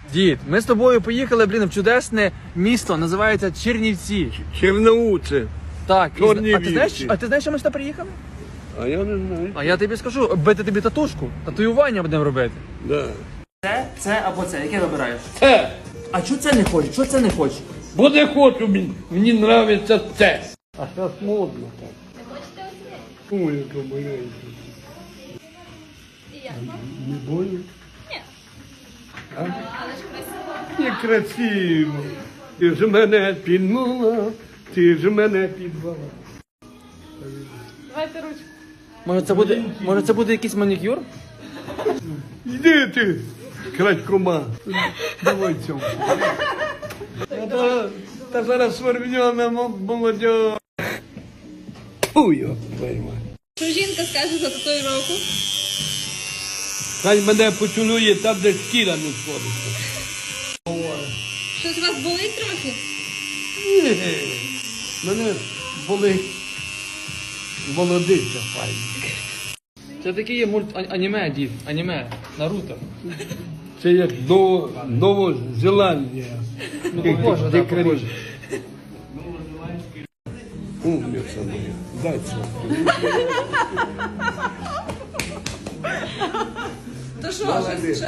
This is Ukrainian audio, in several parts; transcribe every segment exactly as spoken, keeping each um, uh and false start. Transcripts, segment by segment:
Дід, ми з тобою поїхали, блін, в чудесне місто, називається Чернівці. Черноуце. Так, і, Чорні а ти знаєш, вівці. а ти знаєш, що ми сюди приїхали? А я не знаю. А я тобі скажу, бити тобі татушку, татуювання будемо робити. Да. Це, це або це, яке вибираєш? Це. А чого це не хочеш? Чого це не хочеш? Бо не хочу, мені, мені нравиться це. А зараз модно так. Не хочете оце? Ой, яка маленька. І як? Не больно? Ні. А? Але ж красиво. Не красиво. Ти ж мене підмала, ти ж мене підвала. Давайте ручку. Може це буде, може це буде якийсь манікюр? Йди ти, крадькома. Давай цьому. Та, та зараз свербньона молодь. Фу, його пойма. Що жінка скаже за татуїровку? Хай мене поцілує там, де шкіра не сходиться. Щось у вас болить трохи? Ні, мене болить молодиця файна. Це такий є мульт а- аніме, дід, аніме, Наруто. Це як Ново- Новозеландія. Ну, похоже, да, похоже. Умниця моя. Дай це. То що, щось?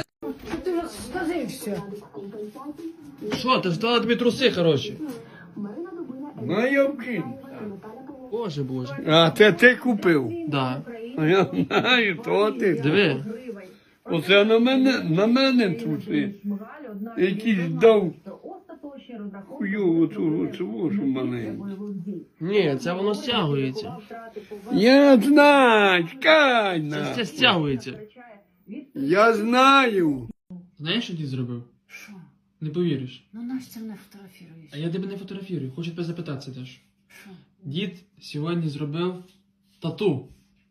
Що, ти ж дала тобі труси, хороші? Ну, я вкину. Боже, боже. А це ти купив? Да. А я знаю, то ти. Диви. Оце на мене, на мене труси. Якийсь дав хуйову цю цю що маленьку. Ні, це воно стягується. Я знаю, чекай Це, на. це стягується. Я знаю. Знаєш, що дід зробив? Що? Не повіриш. Ну Настя не фотографіруєш. А я тебе не фотографірую, хочу тебе запитатися теж. Що? Дід сьогодні зробив тату.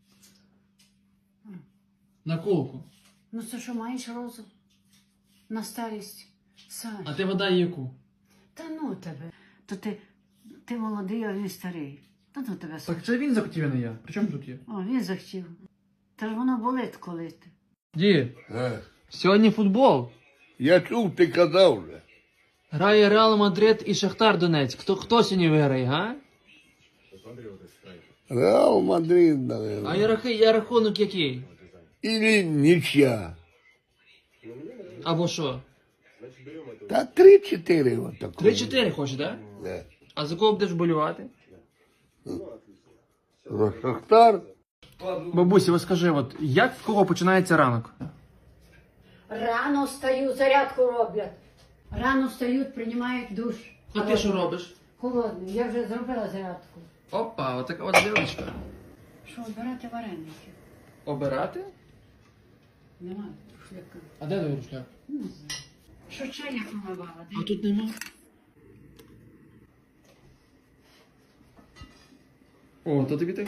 На колку. Ну це що, маєш розум? На старість? Сань. А ти вода яку? Та ну тебе. То ти, ти молодий, а він старий. Та ну тебе, Сань. Так це він захотів, а не я. При чому тут є? О, він захотів. Та ж воно болить коли ти. Дід, сьогодні футбол. Я чув, ти казав вже. Грає Реал Мадрид і Шахтар Донець. Хто, хто сьогодні виграє, га? Реал Мадрид, А наверное. я, рахи- я рахунок який? Или нічия. Або що? Та три-чотири отако. три-чотири хочеш, так? Да? Да. А за кого будеш болювати? За Шахтар. Бабусі, ось скажи, от як в кого починається ранок? Рано встаю, зарядку роблять. Рано встають, приймають душ. А ти що робиш? Холодний. Я вже зробила зарядку. Опа, отака от дівчинка. Що, обирати вареники? Обирати? Немає шляка. А де твій рушляк? Не знаю. Що чайник помивала? А тут нема. О, то тобі так?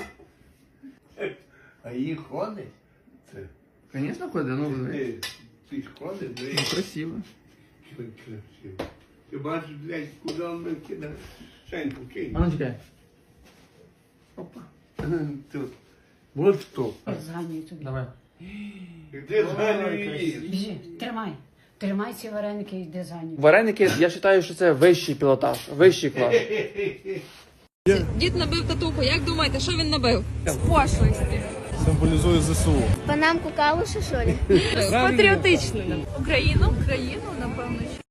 А її ходить? Це. Звісно, ходить, ну диви. Ти, ти ж ходиш, Ну, ви. красиво. Красиво. Ти бачиш, блядь, куди він кидає? Шеньку кинь. А ну чекай. Опа. Тут. Вот що. Зганюю тобі. Давай. Де зганює її? Біжи, тримай. Тримай ці вареники і йди за ним. Вареники, я вважаю, що це вищий пілотаж, вищий клас. Дід набив татуху. Як думаєте, що він набив? З пошлості. Символізує ЗСУ. Панамку калуша, що ли? Патріотичною. Україну? Україну, напевно, що.